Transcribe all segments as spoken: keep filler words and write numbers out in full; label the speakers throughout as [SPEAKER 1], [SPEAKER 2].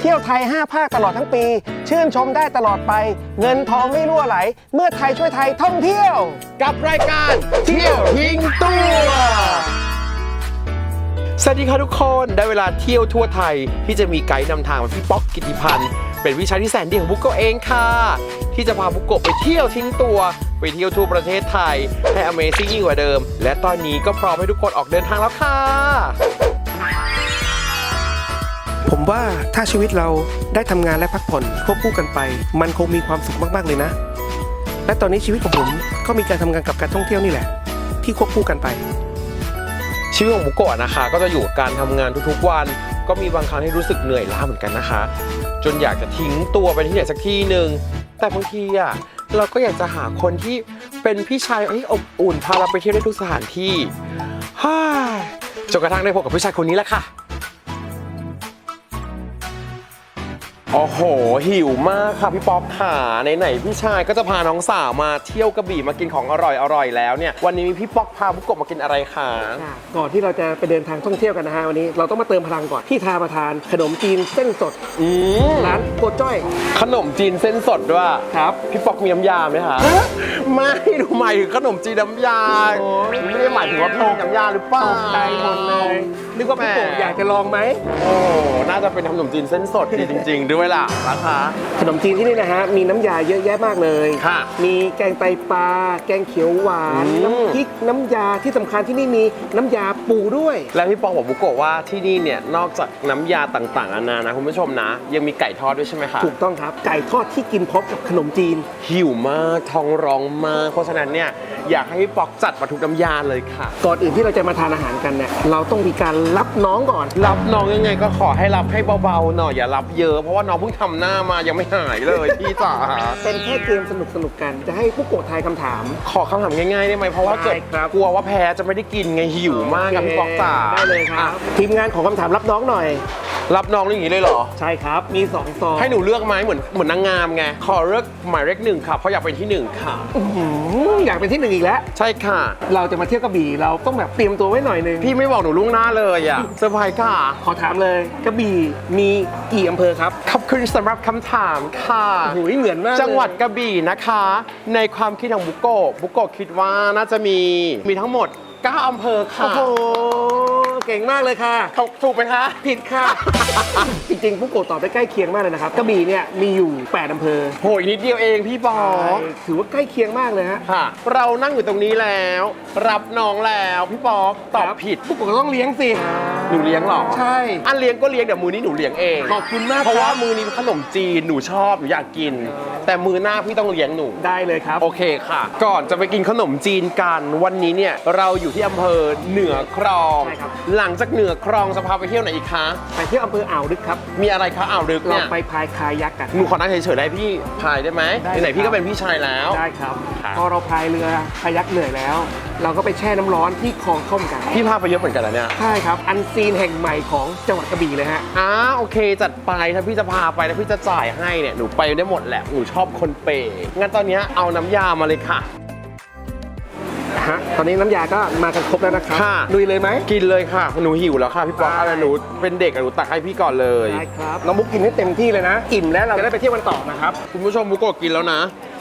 [SPEAKER 1] เที่ยวไทยห้าภาคตลอดทั้งปีชื่นชมได้ตลอดไปเงินทองไม่รั่วไหลเมื่อไทยช่วยไทยท่องเที่ยว
[SPEAKER 2] กับรายการเที่ยวทิ้งตัวสวัสดีค่ะทุกคนได้เวลาเที่ยวทั่วไทยที่จะมีไกด์นำทางมาพี่ป๊อกกิติพันธ์เป็นวิชาที่แสนดีของบุกโกะเองค่ะที่จะพาบุกโกะไปเที่ยวทิ้งตัวไปเที่ยวทั่วประเทศไทยให้ Amazing ยิ่งกว่าเดิมและตอนนี้ก็พร้อมให้ทุกคนออกเดินทางแล้วค่ะ
[SPEAKER 1] ผมว่าถ้าชีวิตเราได้ทำงานและพักผ่อนควบคู่กันไปมันคงมีความสุขมากๆเลยนะและตอนนี้ชีวิตของผมก็มีการทำงานกับการท่องเที่ยวนี่แหละที่ควบคู่กันไป
[SPEAKER 2] ชีวิตของบุกโกะนะคะก็จะอยู่กับการทำงานทุกๆวันก็มีบางครั้งที่รู้สึกเหนื่อยล้าเหมือนกันนะคะจนอยากจะทิ้งตัวไปที่ไหนสักที่หนึ่งแต่บางทีอ่ะเราก็อยากจะหาคนที่เป็นพี่ชายที่อบอุ่นพาเราไปเที่ยวได้ทุกสถานที่ฮ่าจนกระทั่งได้พบกับพี่ชายคนนี้แหละค่ะโอ้โหหิวมากค่ะพี่ป๊อปค่ะไหนๆพี่ชายก็จะพาน้องสาวมาเที่ยวกระบี่มากินของอร่อยๆแล้วเนี่ยวันนี้มีพี่ป๊อกพาบุกโกะมากินอะไรคะ
[SPEAKER 1] ก่อนที่เราจะไปเดินทางท่องเที่ยวกันนะฮะวันนี้เราต้องมาเติมพลังก่อนที่ทาประทานขนมจีนเส้นสดร้านโกจ้อย
[SPEAKER 2] ขนมจีนเส้นสดด้วย
[SPEAKER 1] ครับ
[SPEAKER 2] พี่ป๊อกมีน้ำยาไหมคะไม่ดูหมายถึงขนมจีนน้ำยาไม่ได้หมายถึงว่าพี่น้ำยาหรือเปล่า
[SPEAKER 1] ใจหมดเลยนึกว่าพี่โกอยากจะลองไหม
[SPEAKER 2] โอ้น่าจะเป็นขนมจีนเส้นสดดีจริงๆด้วยเวลานะคะ
[SPEAKER 1] ขนมจีนที่นี่นะฮะมีน้ำยาเยอะแยะมากเลยมีแกงไตปลาแกงเขียวหวานน้ำพริกน้ำยาที่สำคัญที่นี่มีน้ำยาปูด้วย
[SPEAKER 2] แล้วพี่ปองบอกบุกโกะว่าที่นี่เนี่ยนอกจากน้ำยาต่างๆนานานะคุณผู้ชมนะยังมีไก่ทอดด้วยใช่ไหมคะ
[SPEAKER 1] ถูกต้องครับไก่ทอดที่กินพร้อมกับขนมจีน
[SPEAKER 2] หิวมากท้องร้องมากเพราะฉะนั้นเนี่ยอยากให้พี่ปองจัดมาทุกน้ำยาเลยค่ะ
[SPEAKER 1] ก่อนอื่นที่เราจะมาทานอาหารกันเนี่ยเราต้องมีการรับน้องก่อน
[SPEAKER 2] รับน้องยังไงก็ขอให้รับให้เบาๆหน่อยอย่ารับเยอะเพราะว่าน้องเพิ่งทำหน้ามายังไม่หายเลยพี่จ๋า
[SPEAKER 1] เป็นแค่เกมสนุกสนุกกันจะให้ผู้โกะทายคำถาม
[SPEAKER 2] ขอคำถามง่ายๆได้ไหมเพราะว่าเกิดกลัวว่าแพ้จะไม่ได้กินไงหิวมากกับพี่ป๊อกจ๋า
[SPEAKER 1] ได้เลยครับทีมงานของคำถามรับน้องหน่อย
[SPEAKER 2] รับน้องอย่างนี้เลยเหรอ
[SPEAKER 1] ใช่ครับมีสองซอง
[SPEAKER 2] ให้หนูเลือกไหมเหมือนเหมือนนางงามไงขอเลือกหมายเลขหนึ่งค่ะเพราะอยากเป็นที่หนึ่งค่ะ
[SPEAKER 1] อยากเป็นที่หนึ่งอีกแล้ว
[SPEAKER 2] ใช่ค่ะ
[SPEAKER 1] เราจะมาเที่ยวกระบี่เราต้องแบบเตรียมตัวไว้หน่อยนึง
[SPEAKER 2] พี่ไม่บอกหนูล่วงหน้าเลยอ่ะเซอร์ไพรส์ค่ะ
[SPEAKER 1] ขอถามเลยกระบี่มีกี่อำเภอครับ
[SPEAKER 2] ขอบคุณสำหรับคำถามค่ะ
[SPEAKER 1] หูยเหมือนมาก
[SPEAKER 2] จังหวัดกระบี่นะคะในความคิดของบุกโกะบุกโกะคิดว่าน่าจะมีมีทั้งหมดเก้าอำเภอค่ะ
[SPEAKER 1] โอ้โหเก่งมากเลยค่ะ
[SPEAKER 2] ถูกไหมคะ
[SPEAKER 1] ผิดค่ะจริงๆบุกโกะตอบได้ใกล้เคียงมากเลยนะครับกระบี่เนี่ยมีอยู่แปดอำเภอ
[SPEAKER 2] โหยนิดเดียวเองพี่ป๊อก
[SPEAKER 1] ถือว่าใกล้เคียงมากเลยฮะ
[SPEAKER 2] ค่ะเรานั่งอยู่ตรงนี้แล้วรับน้องแล้วพี่ป๊อกตอบผิด
[SPEAKER 1] บุกโกะต้องเลี้ยงสิ
[SPEAKER 2] หนูเลี้ยงหรอ
[SPEAKER 1] ใช่
[SPEAKER 2] อันเลี้ยงก็เลี้ยงเดี๋ยวมือนี้หนูเลี้ยงเอง
[SPEAKER 1] ขอบคุณมาก
[SPEAKER 2] เพราะว่ามือนี้ขนมจีนหนูชอบหนูอยากกินแต่มือหน้าพี่ต้องเลี้ยงหนู
[SPEAKER 1] ได้เลยครับ
[SPEAKER 2] โอเคค่ะก่อนจะไปกินขนมจีนกันวันนี้เนี่ยเราอยู่ที่อำเภอเหนือครองหลังจากเหนือครองจะพาไปเที่ยวไหนอีกคะ
[SPEAKER 1] ไปเที่ยวอำเภออ่าวลึกครับ
[SPEAKER 2] มีอะไรคะอ่าวลึกเนี่ย
[SPEAKER 1] เราไปพายคายักกัน
[SPEAKER 2] หนูขอนั่งเฉยๆได้พี่พายได้ไหมไหนๆพี่ก็เป็นพี่ชายแล้ว
[SPEAKER 1] ได้ครับพอเราพายเรือคายักเหนื่อยแล้วเราก็ไปแช่น้ำร้อนที่คลองท่อมกัน
[SPEAKER 2] พี่พาไปเยอะเหมือนกันแล้วเนี่ย
[SPEAKER 1] ใช่ครับอันซีนแห่งใหม่ของจังหวัดกระบี่เลยฮะ
[SPEAKER 2] อ่าโอเคจัดไปถ้าพี่จะพาไปแล้วพี่จะจ่ายให้เนี่ยหนูไปได้หมดแหละหนูชอบคนเปย์งั้นตอนนี้เอาน้ำยามาเลยค่ะ
[SPEAKER 1] ฮะตอนนี้น้ำยาก็มากันครบแล้วนะครับลุยเลยไหม
[SPEAKER 2] กินเลยค่ะหนูหิวแล้วค่ะพี่ป๊อกอะไรหนูเป็นเด็กหนูตักให้พี่ก่อนเลย
[SPEAKER 1] ได้ครับน้องมุกกินให้เต็มที่เลยนะอิ่มแล้วเราจะได้ไปเที่ยวกันต่อนะครับ
[SPEAKER 2] คุณผู้ชมมุกก็กินแล้วนะ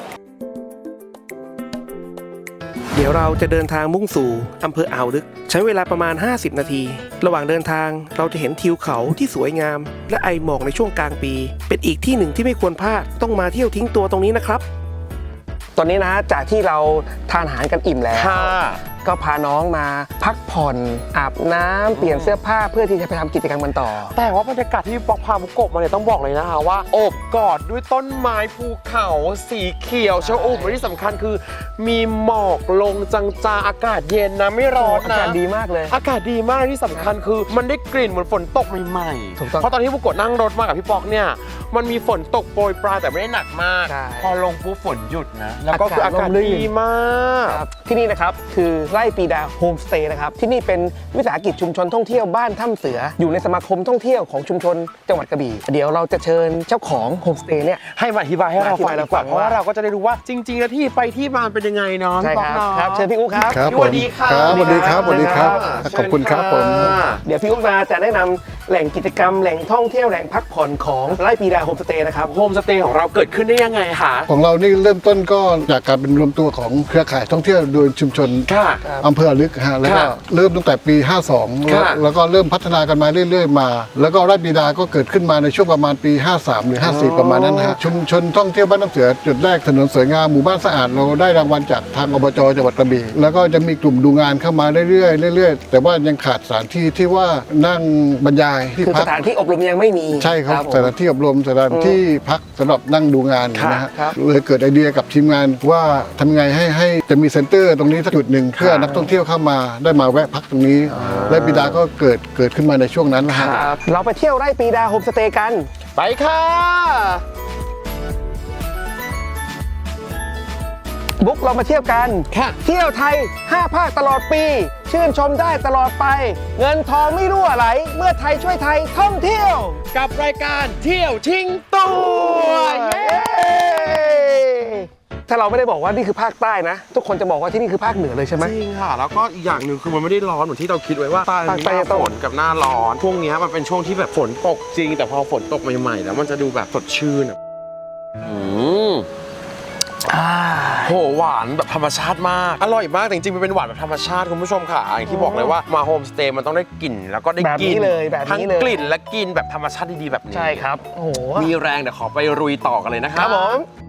[SPEAKER 1] เดี๋ยวเราจะเดินทางมุ่งสู่อำเภออ่าวลึกใช้เวลาประมาณห้าสิบนาทีระหว่างเดินทางเราจะเห็นทิวเขาที่สวยงามและไอหมอกในช่วงกลางปีเป็นอีกที่หนึ่งที่ไม่ควรพลาดต้องมาเที่ยวทิ้งตัวตรงนี้นะครับตอนนี้นะจากที่เราทานอาหารกันอิ่มแล้วก็พาน้องมาพักผ่อนอาบน้ำเปลี่ยนเสื้อผ้าเพื่อที่จะไปทำกิจกรรมกันต่อ
[SPEAKER 2] แต่ว่าบรรยากาศที่ป๊อกพาบุกโกะมาเนี่ยต้องบอกเลยนะคะว่าโอบกอดด้วยต้นไม้ภูเขาสีเขียวชอุ่มและที่สำคัญคือมีหมอกลงจางๆอากาศเย็นนะไม่ร้อนนะ
[SPEAKER 1] อากาศดีมากเลย
[SPEAKER 2] อากาศดีมากที่สำคัญคือมันได้กลิ่นเหมือนฝนตกใหม่ๆเพราะตอนที่บุกโกะนั่งรถมากับพี่ป๊อกเนี่ยมันมีฝนตกโปรยปลายแต่ไม่ได้หนักมากพอลงปุ๊บฝนหยุดนะแล้วก็คืออากาศดีมาก
[SPEAKER 1] ที่นี่นะครับคือไร่ปีดาโฮมสเตย์นะครับที่นี่เป็นวิสาหกิจชุมชนท่องเที่ยวบ้านถ้ำเสืออยู่ในสมาคมท่องเที่ยวของชุมชนจังหวัดกระบี่เดี๋ยวเราจะเชิญเจ้าของโฮมสเตย์เนี่ย
[SPEAKER 2] ให้มาอธิบายให้เราฟังดีกว่าเพราะว่าเราก็จะได้รู้ว่าจริงๆแล้วที่ไปที่มาเป็นยังไงเนาะ
[SPEAKER 1] ใช่ครับเชิญพี่อุ๊ครับ
[SPEAKER 3] สวัสดีครับสวัสดีครับสวัสดีครับขอบคุณครับผม
[SPEAKER 1] เดี๋ยวพี่อุ๊มาจะแนะนำแหล่งกิจกรรมแหล่งท่องเที่ยวแหล่งพักผ่อนของไร่ปีดาโฮมสเตย์นะครับ
[SPEAKER 2] โฮมสเตย์ของเราเกิดขึ้นได้ยังไงคะ
[SPEAKER 3] ของเรานี่เริ่มต้นก็จากการเป็นรวมตัวของเครือข่ายท่องเที่ยวโดยชุมชน
[SPEAKER 2] ค่ะ
[SPEAKER 3] อำเภอลึกฮะแล้วก็
[SPEAKER 2] ค่ะ
[SPEAKER 3] เริ่มตั้งแต่ปี ห้าสอง
[SPEAKER 2] ค่ะ
[SPEAKER 3] แล้วก็เริ่มพัฒนากันมาเรื่อย ๆ มา แล้วก็ไร่ปีดาก็เกิดขึ้นมาในช่วงประมาณปี ห้าสาม หรือ ห้าสี่ ประมาณนั้นนะฮะชุมชนท่องเที่ยวบ้านน้ำเสือจุดแรกถนนสวยงามหมู่บ้านสะอาดเราได้รางวัลจากทางอบจจังหวัดกระบี่แล้วก็จะมีกลุ่มดูงานเข้ามาเรื่อยๆเรื่อยๆแต่ว่ายังขาดสถานที่ที่ว่านั่งบรรยายที่
[SPEAKER 1] คือ
[SPEAKER 3] พั
[SPEAKER 1] ส
[SPEAKER 3] ก
[SPEAKER 1] ถานที่อบรมยังไม่มี
[SPEAKER 3] ใช่ครับ
[SPEAKER 1] ผม
[SPEAKER 3] สถานที่อบรมสถานที่พักสำหรับนั่งดูงาน
[SPEAKER 1] ครับ
[SPEAKER 3] นะฮะ
[SPEAKER 1] ครับ
[SPEAKER 3] เลยเกิดไอเดียกับทีมงานว่าทำไงให้ให้จะมีเซ็นเตอร์ตรงนี้สักจุดหนึ่งเพื่อนักท่องเที่ยวเข้ามาได้มาแวะพักตรงนี้ และบิดาก็เกิดเกิดขึ้นมาในช่วงนั้นนะฮะ
[SPEAKER 1] ครับเราไปเที่ยวไร่ปีดาโฮมสเตย์กัน
[SPEAKER 2] ไปค่ะ
[SPEAKER 1] บุ๊กเรามาเที่ยวกัน
[SPEAKER 2] ค่ะ
[SPEAKER 1] เที่ยวไทย ห้า ภาคตลอดปี ชื่นชมได้ตลอดไป เงินทองไม่รั่วไหล เมื่อไทยช่วยไทยท่องเที่ยว
[SPEAKER 2] กับรายการเที่ยวทิ้งตัวเย้
[SPEAKER 1] ถ้าเราไม่ได้บอกว่านี่คือภาคใต้นะ ทุกคนจะบอกว่าที่นี่คือภาคเหนือเลยใช่ไหม
[SPEAKER 2] จริงค่ะ แล้วก็อีกอย่างหนึ่งคือมันไม่ได้ร้อนเหมือนที่เราคิดไว้ว่าใต้
[SPEAKER 1] ภาคใต้
[SPEAKER 2] หน้า
[SPEAKER 1] ต้อง
[SPEAKER 2] ฝนกับหน้าร้อนช่วงเนี้ยมันเป็นช่วงที่แบบฝนตกจริง แต่พอฝนตกใหม่ๆแล้วมันจะดูแบบสดชื่นอะอืม
[SPEAKER 1] อ่า
[SPEAKER 2] โหหวานแบบธรรมชาติมาก อร่อยมากแต่จริงๆมันเป็นหวานแบบธรรมชาติคุณผู้ชมค่ะอย่างที่บอกเลยว่ามาโฮมสเตย์มันต้องได้กลิ่นแล้วก็ได้
[SPEAKER 1] แบบ
[SPEAKER 2] กิ
[SPEAKER 1] นี้
[SPEAKER 2] น
[SPEAKER 1] เลยแบบ
[SPEAKER 2] ทั้ง
[SPEAKER 1] นี้เลย
[SPEAKER 2] กลิ่นและกินแบบธรรมชาติดีๆแบบนี้
[SPEAKER 1] ใช่ครับ โอ้โห
[SPEAKER 2] มีแรงเดี๋ยวขอไปรุยต่อกันเลยนะค
[SPEAKER 1] ค
[SPEAKER 2] รั
[SPEAKER 1] รั
[SPEAKER 2] บบ
[SPEAKER 1] ผม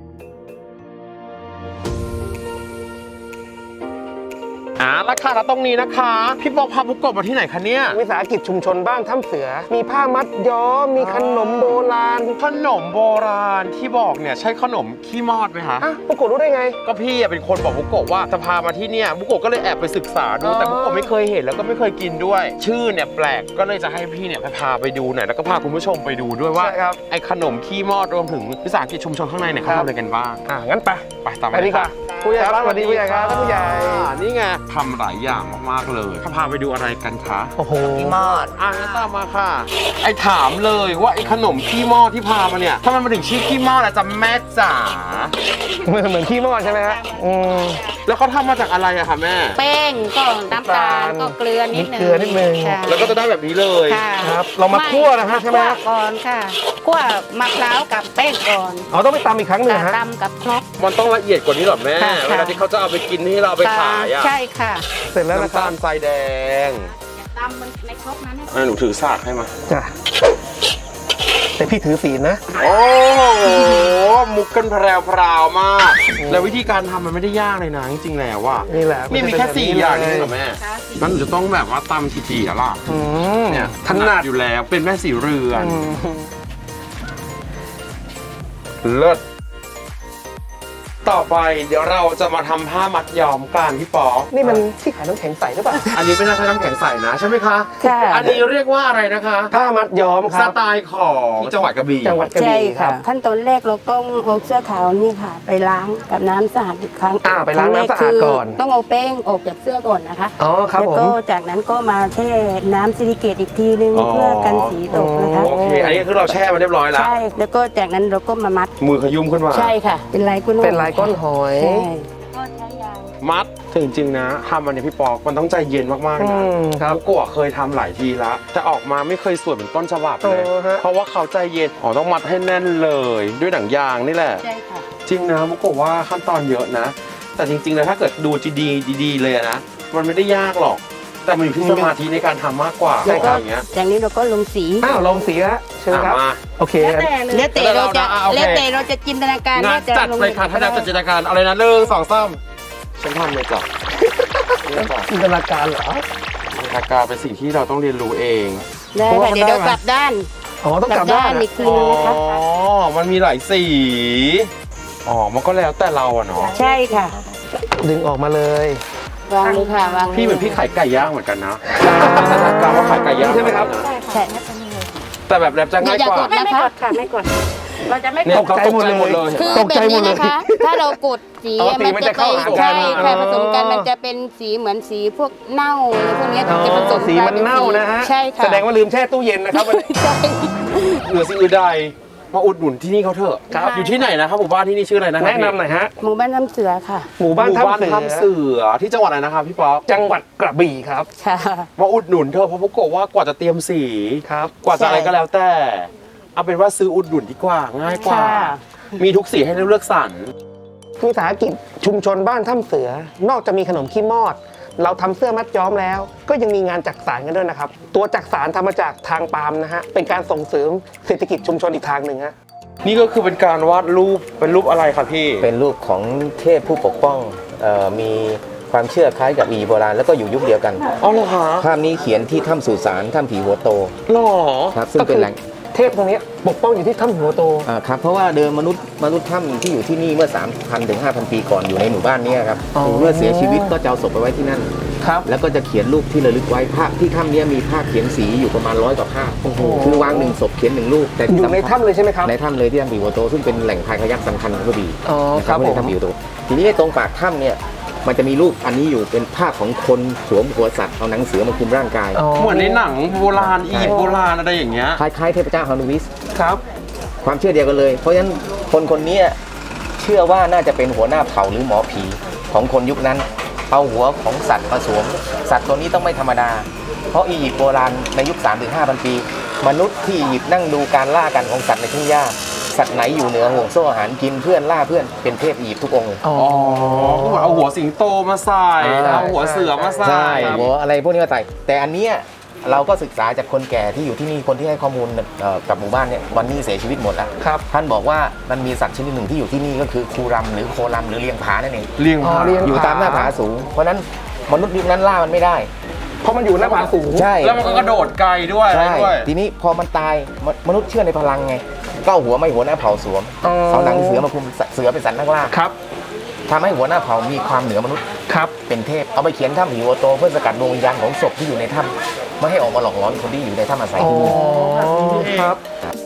[SPEAKER 2] อ่าแล้วค่ะแล้วตรงนี้นะคะ พี่ปอพาบุกกบมาที่ไหนคะเนี่ย
[SPEAKER 1] วิสาหกิจชุมชนบ้านถ้ำเสือ มีผ้ามัดย้อม มีขนมโบราณ
[SPEAKER 2] ขนมโบราณที่บอกเนี่ยใช่ขนมขี้มอดไหมคะ
[SPEAKER 1] อ่ะพวกกูรู้ได้ไง
[SPEAKER 2] ก็พี่อะเป็นคนบอกบุกโกะว่าจะพามาที่เนี่ยบุกโกะก็เลยแอบไปศึกษาดู
[SPEAKER 1] อ๋อ
[SPEAKER 2] แต่บุกโกะไม่เคยเห็นแล้วก็ไม่เคยกินด้วย ชื่อเนี่ยแปลกก็เลยจะให้พี่เนี่ยพาไปดูหน่อยแล้วก็พาคุณผู้ชมไปดูด้วยว่า
[SPEAKER 1] ใช่ครับ
[SPEAKER 2] ไอ้ขนมขี้มอดรวมถึงวิสาหกิจชุมชนข้างในเนี่ยเขา
[SPEAKER 1] ครับ
[SPEAKER 2] ทำอะไรกันบ้าง
[SPEAKER 1] อ่ะงั้นไป
[SPEAKER 2] ไปตาม
[SPEAKER 1] ไปดีกว่าผู้ใหญ่ครับสวัสดีผู้ใหญ่ครับท่านผู้ใหญ่
[SPEAKER 2] อ่านี่ไงทำหลายอย่างมากๆเลยพาไปดูอะไรกันคะ
[SPEAKER 1] โอ้โห
[SPEAKER 2] ขี้มอดอ่ะงั้นตามมาค่ะ ไอ้ถามเลยว่าไอ้ขนมขี้มอดที่พามาเนี่ยทำไมมันถึงชื่อขี้มอดอะจ๊ะแม่จ๋า
[SPEAKER 1] เหมือนเหมือนขี้มอดใช่ไหมฮะอืม
[SPEAKER 2] แล้วเขาทำมาจากอะไรอะคะแม่
[SPEAKER 4] แป้งก็น้ำตาล
[SPEAKER 1] น้ำตาล
[SPEAKER 4] ก็เกลือนิดนึง
[SPEAKER 1] เกลือนิดนึง
[SPEAKER 4] ค่ะ
[SPEAKER 2] แล้วก็จะได้แบบนี้เลย
[SPEAKER 4] ค่ะ
[SPEAKER 1] ครับเรามาคั่วนะฮะใช่ไหม
[SPEAKER 4] คั่ว
[SPEAKER 1] ฮะ
[SPEAKER 4] ก่อนค่ะคั่วมะพร้าวกับแป้งก่อน
[SPEAKER 1] อ๋อต้องไปตำอีกครั้งหนึ่งฮะ
[SPEAKER 4] ตำกับครก
[SPEAKER 2] มันต้องละเอียดกว่านี้เหรอแม่
[SPEAKER 4] ค่ะ
[SPEAKER 2] เวลาที่เขาจะเอาไปกินที่เราเอาไปขายอะ
[SPEAKER 4] ใช่ค่ะ
[SPEAKER 1] เสร็จแล้วนะ
[SPEAKER 2] น้ำ
[SPEAKER 1] ครั
[SPEAKER 2] ตา
[SPEAKER 1] บ
[SPEAKER 2] ลทรายแดง
[SPEAKER 4] ตำมันในครกนั้นให้
[SPEAKER 2] อ่ะหนูถือสากให้มา
[SPEAKER 1] จ้ะแต่พี่ถือศีลนะ
[SPEAKER 2] โอ้โหมุกกันแพรวพราวมาก แล้ววิธีการทำมันไม่ได้ยากเลยนะจริงๆแล้วว่า
[SPEAKER 1] นี่แหละ
[SPEAKER 2] นี่มีแค่สี่อย่างนี่เหรอแม่
[SPEAKER 4] ค่ะ
[SPEAKER 2] งั้นหนูจะต้องแบบว่าตำกี่จีอะล่ะ
[SPEAKER 1] อืม
[SPEAKER 2] เนี่ย
[SPEAKER 1] ถนัด
[SPEAKER 2] อยู่แล้วเป็นแม่สีเรือน
[SPEAKER 1] อืม
[SPEAKER 2] เลิศต่อไปเดี๋ยวเราจะมาทำผ้ามัดย้อมกันพี่ปอ
[SPEAKER 1] นี่มันที่ขายน้ำแข็งใสหรือเปล่า
[SPEAKER 2] อันนี้ไม่น่าใช้น้ำแข็งใสนะใช่ไหมคะ
[SPEAKER 4] ค่ะ
[SPEAKER 2] อันนี้เรียกว่าอะไรนะคะ
[SPEAKER 1] ผ้ามัดย้อมค
[SPEAKER 2] ส
[SPEAKER 1] รับ
[SPEAKER 2] ไตล์ของจังหวัดกระบี่
[SPEAKER 1] จังหวัดกระ
[SPEAKER 5] ใช่
[SPEAKER 1] บี่ค
[SPEAKER 5] ค่ะ
[SPEAKER 1] รับ
[SPEAKER 5] ขั้นตอนแรกเราต้องเอาเสื้อขาวนี่ค่ะ ไปล้างกับน้ำสะอาดอีกครั้ง
[SPEAKER 1] อ่าไปล้างน้ำสะอาดก่อน
[SPEAKER 5] ครั้งแรคืต้องเอาแป้งออกจากเสื้อก่อนนะคะ
[SPEAKER 1] อ๋อครับ
[SPEAKER 5] แล้ว
[SPEAKER 1] ผม
[SPEAKER 5] ก็จากนั้นก็มาแช่น้ำซิลิเกตอีกทีนึงเพื่อกันสีตกนะคะ
[SPEAKER 2] โอเค อันนี้คือเราแช่มาเรียบร้อยแล้ว
[SPEAKER 5] ใช่แล้วก็จากนั้นเราก็มามัด
[SPEAKER 2] มือขยุ่มขึ้นมา
[SPEAKER 5] ใช่ค่ะ เป็นลายก้นหอย
[SPEAKER 1] เป็นลายก้นหอย
[SPEAKER 5] ใช่ก็ใช้ยาง
[SPEAKER 2] มัดถึงจริงๆนะทำมันเนี่ยพี่ปอกมันต้องใจเย็นมากๆ
[SPEAKER 1] อื
[SPEAKER 2] นะ
[SPEAKER 1] มครับ
[SPEAKER 2] บุกโกะเคยทำหลายทีแล้วแต่ออกมาไม่เคยสวยเหมือนต้นฉบับเลย
[SPEAKER 1] โอ้ฮะ
[SPEAKER 2] เพราะว่าเขาใจเย็นอ๋อต้องมัดให้แน่นเลย ด้วยหนังยางนี่แหละ
[SPEAKER 5] ใช่ค่ะ
[SPEAKER 2] จริงนะบุกโกะว่าขั้นตอนเยอะนะ แต่จริงๆแล้วถ้าเกิดดูดีๆดีๆเลยนะมันไม่ได้ยากหรอก แต่มันอยู่ที่สมาธิในการทำมากกว่า
[SPEAKER 5] แล้วก็
[SPEAKER 2] อย่างเงี้ย
[SPEAKER 5] จากนี้เราก็ลงสี
[SPEAKER 1] อ้าวลองสีแล้วเชิญครับ
[SPEAKER 2] อ่ะมา
[SPEAKER 1] โอเค
[SPEAKER 5] แล้วแต่แล้วแต่เราจะ
[SPEAKER 2] อ่ะโอเค
[SPEAKER 5] แล้วแต่เราจะจินตนาการ
[SPEAKER 2] งาน
[SPEAKER 5] ว่าจะ
[SPEAKER 2] จัด
[SPEAKER 5] ลง
[SPEAKER 2] เลยค่ะถ้าดาวจัดจินตนาการเอาเลยนะหนึ่งสองสามฉันทำเลยจ้ะเนี่ยจ้ะ
[SPEAKER 1] จินตนาการเหรอ
[SPEAKER 2] จินตนาการเป็นสิ่งที่เราต้องเรียนรู้เอง
[SPEAKER 5] ได้ค่ะเดี๋ยวเรากลับด้าน
[SPEAKER 1] อ๋อต้อง
[SPEAKER 5] ก
[SPEAKER 1] ก
[SPEAKER 5] ลั
[SPEAKER 1] ลั
[SPEAKER 5] บบ ด้า
[SPEAKER 1] ด้าน น
[SPEAKER 5] อีกที
[SPEAKER 2] อ๋อ
[SPEAKER 5] นึงนะคะ
[SPEAKER 2] มันมีหลายสีอ๋อมันก็แล้วแต่เราอะเนาะ
[SPEAKER 5] ใช่ค่ะ
[SPEAKER 1] ดึงออกมาเลย
[SPEAKER 5] วางเลยค่ะวางลย
[SPEAKER 2] พี่เหมือนพี่ขายไก่ย่างเหมือนกันนะจินตนาการว่าขายไก่ย่าง
[SPEAKER 1] ใช่ไหมครับ
[SPEAKER 5] ใช่ค่ะ
[SPEAKER 2] แต่แบบแรปจะง่าย
[SPEAKER 5] อย่าก
[SPEAKER 2] ว่า
[SPEAKER 5] กดนะคะค่ะไม่กด เราจะไม่
[SPEAKER 2] เนี่ย
[SPEAKER 5] กด
[SPEAKER 2] เขาตกใจหมดเลย
[SPEAKER 5] คือ
[SPEAKER 1] ตก
[SPEAKER 5] แบ
[SPEAKER 1] ใจ
[SPEAKER 5] บ
[SPEAKER 1] หม
[SPEAKER 5] นี้
[SPEAKER 1] ดเลย
[SPEAKER 5] นะคะ ถ้าเรากดสี
[SPEAKER 1] อ๋อสี
[SPEAKER 5] มัน
[SPEAKER 1] มัน
[SPEAKER 5] จะ
[SPEAKER 1] จะ
[SPEAKER 5] ไป
[SPEAKER 1] เข้าหากัน
[SPEAKER 5] ใช่ค่ะ
[SPEAKER 1] อ๋อ
[SPEAKER 5] ผสมกันมันจะเป็นสีเหมือนสีพวกเน่าอะไรพวกเนี้ย
[SPEAKER 1] อ๋อ
[SPEAKER 5] จะผสม
[SPEAKER 1] สี
[SPEAKER 5] กลย
[SPEAKER 1] มัน
[SPEAKER 5] ป็
[SPEAKER 1] เน่านะฮะ
[SPEAKER 5] ใช่ค่ะ
[SPEAKER 1] แสดงว่าลืมแช่ตู้เย็นนะครับวันนี้
[SPEAKER 5] ใช่
[SPEAKER 2] เหนือสิ่งอื่นใดมาอุดหนุนที่นี่เขาเถอะ
[SPEAKER 1] ครับ
[SPEAKER 2] อยู่ที่ไหนนะครับหมู่บ้านที่นี่ชื่ออะไรนะครับ
[SPEAKER 1] แนะนำหน่อยฮะ
[SPEAKER 4] หมู่บ้านน้ำเสือค่ะ
[SPEAKER 1] หมู่บ้าน
[SPEAKER 2] หมู่บ้าน
[SPEAKER 1] ถ้ำเสือ
[SPEAKER 2] ถ้ำเสือที่จังหวัดอะไรนะครับพี่ป๊อก
[SPEAKER 1] จังหวัดกระบี่ครับ
[SPEAKER 4] ค่ะ
[SPEAKER 2] มาอุดหนุนเธอะเพราะพวกโกะว่ากว่าจะเตรียมสี
[SPEAKER 1] ครับ
[SPEAKER 2] กว่าจะอะไร
[SPEAKER 4] ใช่
[SPEAKER 2] ก็แล้วแต่ เอาเป็นว่าซื้ออุดหนุนดีกว่าง่ายกว่า
[SPEAKER 4] ค่ะ
[SPEAKER 2] มีทุกสีให้เลือกสรร
[SPEAKER 1] วิสาหกิจชุมชนบ้านถ้ำเสือนอกจากมีขนมขี้มอด เราทำเสื้อมัดย้อมแล้ว ก็ยังมีงานจักสานกันด้วยนะครับ ตัวจักสานทำมาจากทางปาล์มนะฮะเป็นการส่งเสริมเศรษฐกิจชุมชนอีกทางหนึ่งฮะ
[SPEAKER 2] นี่ก็คือเป็นการวาดรูปเป็นรูปอะไรครับพี่
[SPEAKER 6] เป็นรูปของเทพผู้ปกป้องเออมีความเชื่อคล้ายกับอียิปต์โบราณแล้วก็อยู่ยุคเดียวกัน
[SPEAKER 2] อ๋อเหรอคะ
[SPEAKER 6] ภาพนี้เขียนที่ถ้ำสุสานถ้ำผีหัวโต
[SPEAKER 2] หรอ
[SPEAKER 6] ครับซึ่งเป็นแหล่ง
[SPEAKER 1] เทพตรงนี้ปกป้องอยู่ที่ถ้ำหัวโต
[SPEAKER 6] อ่าครับเพราะว่าเดิมมนุษย์มนุษย์ถ้ำที่อยู่ที่นี่เมื่อ สามพัน ถึง ห้าพัน ปีก่อนอยู่ในหมู่บ้านเนี้ครับ
[SPEAKER 1] อ๋อ
[SPEAKER 6] เมื่อเสียชีวิตก็จะเอาศพไปไว้ที่นั่น
[SPEAKER 1] ครับ
[SPEAKER 6] แล้วก็จะเขียนรูปที่ระลึกไว้ภาพที่ถ้ำเนี้มีภาพเขียนสีอยู่ประมาณร้อยกว่าภาพ
[SPEAKER 1] โอ้โห
[SPEAKER 6] คือวางหนึ่งศพเขียนหนึ่งรูปแต่
[SPEAKER 1] อ
[SPEAKER 6] ที่
[SPEAKER 1] ยู่ใน
[SPEAKER 6] สำคัญ
[SPEAKER 1] ถ้ำเลยใช่ไหมครับ
[SPEAKER 6] ในถ้ำเลยที่ถ้ำผีหัวโตซึ่งเป็นแหล่งพายคายักสำคัญของกระบี่
[SPEAKER 1] อ๋อ
[SPEAKER 6] นะ
[SPEAKER 1] ค
[SPEAKER 6] ค
[SPEAKER 1] รั
[SPEAKER 6] รั
[SPEAKER 1] บบ ผม
[SPEAKER 6] ในถ้ำผีหัวโตทีนี้ตรงปากถ้ำเนี่ยมันจะมีรูปอันนี้อยู่เป็นภาพของคนสวมหัวสัตว์เอาหนังเสือมาคลุมร่างกาย
[SPEAKER 2] เหมือนในหนังโบราณอียิปต์โบราณอะไรอย่างเงี้ย
[SPEAKER 6] คล้ายๆเทพเจ้าฮานูบิส
[SPEAKER 1] ครับ
[SPEAKER 6] ความเชื่อเดียวกันเลย เพราะฉะนั้นคนคนนี้เชื่อว่าน่าจะเป็นหัวหน้าเผ่าหรือหมอผีของคนยุคนั้น เอาหัวของสัตว์มาสวม สัตว์ตัวนี้ต้องไม่ธรรมดา เพราะอียิปต์โบราณในยุค สามถึงห้าพัน ปี มนุษย์ที่อียิปต์นั่งดูการล่ากันของสัตว์ในทุ่งหญ้า สัตว์ไหนอยู่เหนือห่วงโซ่อาหารกินเพื่อนล่าเพื่อนเป็นเทพอียิปต์ทุกองค์เลย
[SPEAKER 1] อ๋อ
[SPEAKER 2] อ๋อเอาหัวสิงโตมาใส่
[SPEAKER 6] อ่า
[SPEAKER 2] เอาหัวเสือมาใส่
[SPEAKER 6] ใช่หัวอะไรพวกนี้มาใส่แต่อันเนี้ยเราก็ศึกษาจากคนแก่ที่อยู่ที่นี่คนที่ให้ข้อมูลเอ่อกับหมู่บ้านเนี่ยวันนี้เสียชีวิตหมดแล้ว
[SPEAKER 1] ครับ
[SPEAKER 6] ท่านบอกว่ามันมีสัตว์ชนิดหนึ่งที่อยู่ที่นี่ก็คือคูรัมหรือโครัมหรือเลียงผานั่นเอง
[SPEAKER 2] เลี้ยง
[SPEAKER 1] อ๋อ
[SPEAKER 2] ผา
[SPEAKER 1] เลี้ยง
[SPEAKER 6] อยู่ตามหน้าผาสูง เพราะฉะนั้นมนุษย์ยุคนั้นล่ามันไม่ได้
[SPEAKER 1] เพราะมันอยู่หน้าผาสูง
[SPEAKER 6] ใช่
[SPEAKER 2] แล้วมันก็กระโดดไกลด้วยอะไร
[SPEAKER 6] ใช่
[SPEAKER 2] ด้วย
[SPEAKER 6] ทีนี้พอมันตายมมนุษย์เชื่อในพลังไงก็เอาหัวไม่หัวหน้าเผ่าสวม
[SPEAKER 1] อ๋อ
[SPEAKER 6] เอาหนังเสือมาคลุมเสือเป็นสัตว์นักล่า
[SPEAKER 1] ครับ
[SPEAKER 6] ทำให้หัวหน้าเผ่ามีความเหนือมนุษย์
[SPEAKER 1] ครับ
[SPEAKER 6] เป็นเทพเอาไปเขียนถ้ำผีหัวโตเพื่อสกัดดวงวิญญาณของศพที่อยู่ในถ้ำไม่ให้ออกมาหลอกหลอนคนที่อยู่ในถ้ำอาศัย
[SPEAKER 1] อ๋อ
[SPEAKER 6] ที่นี่
[SPEAKER 1] ครับ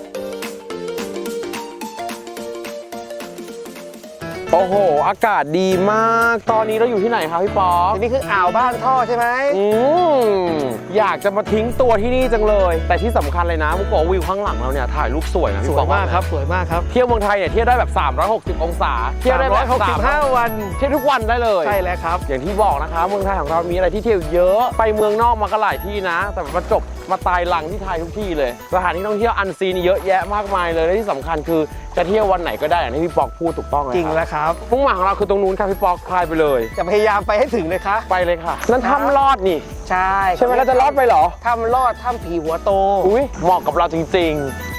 [SPEAKER 2] โอ้โห อากาศดีมาก ตอนนี้เราอยู่ที่ไหนครับพี่ป๊อก
[SPEAKER 1] อันนี้คืออ่าวบ้านท่อใช่ไหม
[SPEAKER 2] อืมอยากจะมาทิ้งตัวที่นี่จังเลย แต่ที่สำคัญเลยนะมุกบอกวิวข้างหลังเราเนี่ยถ่ายรูปสวยนะ
[SPEAKER 1] ส
[SPEAKER 2] พี่
[SPEAKER 1] ว
[SPEAKER 2] ป๊
[SPEAKER 1] ย
[SPEAKER 2] อก
[SPEAKER 1] มากครับ สวยมากครับ
[SPEAKER 2] เที่ยวเมืองไทยเนี่ยเที่ยวได้แบบ สามร้อยหกสิบ องศา เที่ยวได้แบบ
[SPEAKER 1] สามร้อยหกสิบห้าวัน
[SPEAKER 2] เที่ยวทุกวันได้เลย
[SPEAKER 1] ใช่แล้วครับ
[SPEAKER 2] อย่างที่บอกนะคะเมืองไทยของเรามีอะไรที่เที่ยวเยอะ ไปเมืองนอกมาก็หลายที่นะ แต่มาจบมาตายหลังที่ไทยทุกที่เลย สถานที่ท่องเที่ยวอันซีนเยอะแยะมากมายเลยและที่สำคัญคือจะเที่ยววันไหนก็ได้อย่างที่พี่ปอกพูดถูกต้องเลย
[SPEAKER 1] จริง
[SPEAKER 2] ค
[SPEAKER 1] แล้
[SPEAKER 2] รับ
[SPEAKER 1] วครับ
[SPEAKER 2] มุ่งหมายของเราคือตรงนู้นครับพี่ปอกคลายไปเลย
[SPEAKER 1] จะพยายามไปให้ถึงเลยครับ
[SPEAKER 2] ไปเลยค่ะ นั่นถ้ำลอดนี่
[SPEAKER 1] ใช่
[SPEAKER 2] ใช่ไหมเราจะลอดไปเหรอ
[SPEAKER 1] ถ้ำลอดถ้ำผีหัวโต
[SPEAKER 2] อุ้ยเหมาะกับเราจริง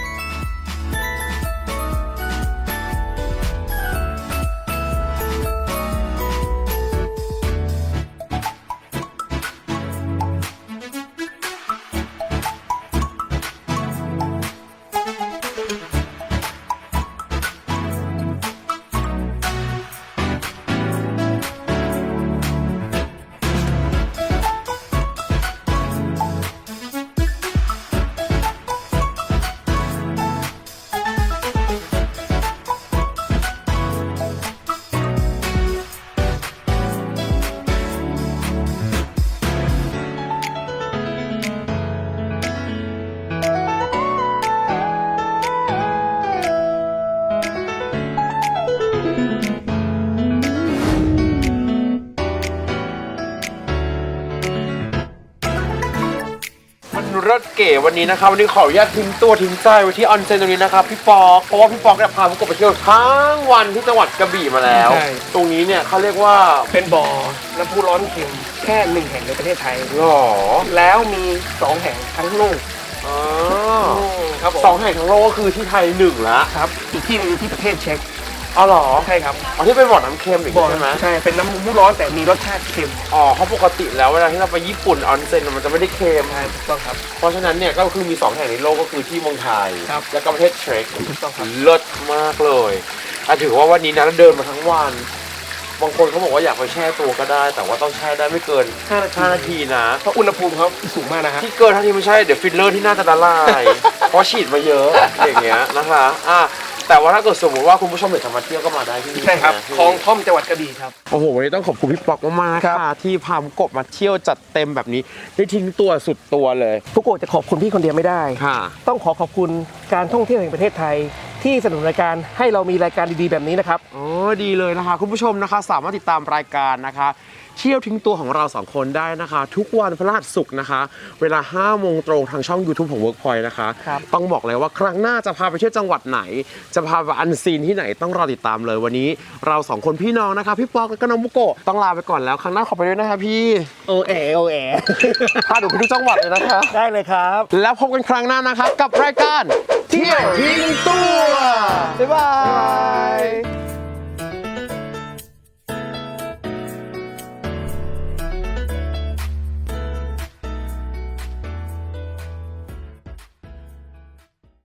[SPEAKER 2] มันรถเก๋วันนี้นะครับวันนี้ขออนุญาตทิ้งตัวทิ้งใจไว้ที่ออนเซ็นตรงนี้นะครับพี่ปอกเพราะว่าพี่ปอกเนี่ยพาผมกบไปเที่ยวทั้งวันที่จังหวัดกระบี่มาแล้ว
[SPEAKER 1] ใช่
[SPEAKER 2] ตรงนี้เนี่ยเขาเรียกว่า
[SPEAKER 1] เป็นบ่อน้ำพุร้อนเค็มแค่หนึ่งแห่งในประเทศไทย
[SPEAKER 2] หรอ
[SPEAKER 1] แล้วมีสองแห่งทั้งโลก
[SPEAKER 2] อ๋อ
[SPEAKER 1] ครับผม
[SPEAKER 2] สองแห่งทั้งโลกก็คือที่ไทยหนึ่งละ
[SPEAKER 1] ครับ อีกที่หนึงอยู่ที่ประเทศเช็ก
[SPEAKER 2] อ๋อเหรอ
[SPEAKER 1] ใช่ครับ
[SPEAKER 2] อ๋อที่เป็นบ่อน้ำเค็มอีก
[SPEAKER 1] บ่อ
[SPEAKER 2] ใช่ไหม
[SPEAKER 1] ใช่ เป็นน้ำพุร้อนแต่มีรสชาติเค็ม
[SPEAKER 2] อ๋อเพราะปกติแล้วเวลาที่เราไปญี่ปุ่นออนเซ็นมันจะไม่ได้เค็ม
[SPEAKER 1] ใช่ถูกต้องครับ
[SPEAKER 2] เพราะฉะนั้นเนี่ยก็คือมีสองแห่งในโลกก็คือที่เมืองไทย
[SPEAKER 1] ครับ
[SPEAKER 2] และก็ประเทศเช็ก
[SPEAKER 1] ถูกต้องครับ
[SPEAKER 2] เลิศมากเลยอ่ะถือว่าวันนี้นะเราเดินมาทั้งวัน บางคนเขาบอกว่าอยากไปแช่ตัวก็ได้ แต่ว่าต้องแช่ได้ไม่เกินห้านาทีนะ
[SPEAKER 1] เพราะอุณหภูมิเขาสูงมากนะฮะ
[SPEAKER 2] ที่เกินเท่าที่ไม่ใช่เดี๋ยวฟิลเลอร์ที่น่าจะละลาย เพราะฉีดมาเยอะอย่างเงี้ยนะคะอ่ะแต่ว่าถ้าเกิดสมมติว่าคุณผู้ชมอยากจะมาเที่ยวก็มาได้ที่นี่
[SPEAKER 1] ใช่ครับ
[SPEAKER 2] นะ
[SPEAKER 1] คลองท่อมจังหวัดกระบี่ครับ
[SPEAKER 2] โอ้โหวันนี้ต้องขอบคุณพี่ป๊อกมากๆ
[SPEAKER 1] ครับ
[SPEAKER 2] ค่ะที่พามกบมาเที่ยวจัดเต็มแบบนี้ได้ทิ้งตัวสุดตัวเลย
[SPEAKER 1] ทุกคนจะขอบคุณพี่คนเดียวไม่ได้
[SPEAKER 2] ค่ะ
[SPEAKER 1] ต้องขอขอบคุณการท่องเที่ยวแห่งประเทศไทยที่สนับสนุนรายการให้เรามีรายการดีๆแบบนี้นะครับ
[SPEAKER 2] โอ้ดีเลยนะคะคุณผู้ชมนะคะสามารถติดตามรายการนะคะเที่ยวทิ้งตัวของเราสองคนได้นะคะ ทุกวันพฤหัสศุกร์นะคะ เวลาห้าโมงตรงทางช่อง YouTube ของ Workpoint นะคะ
[SPEAKER 1] ครับ
[SPEAKER 2] ต้องบอกเลยว่าครั้งหน้าจะพาไปเที่ยวจังหวัดไหน จะพาไปอันซีนที่ไหนต้องรอติดตามเลยวันนี้เราสองคนพี่น้องนะคะพี่ปอกและก็น้องบุโกะต้องลาไปก่อนแล้วครั้งหน้าขอไปด้วยนะคะพี่
[SPEAKER 1] โอแอโอแอ
[SPEAKER 2] พาหนูไปทุกจังหวัดเลยนะคะ
[SPEAKER 1] ได้เลยครับ
[SPEAKER 2] แล้วพบกันครั้งหน้านะคะกับรายการเที่ยวทิ้งตัว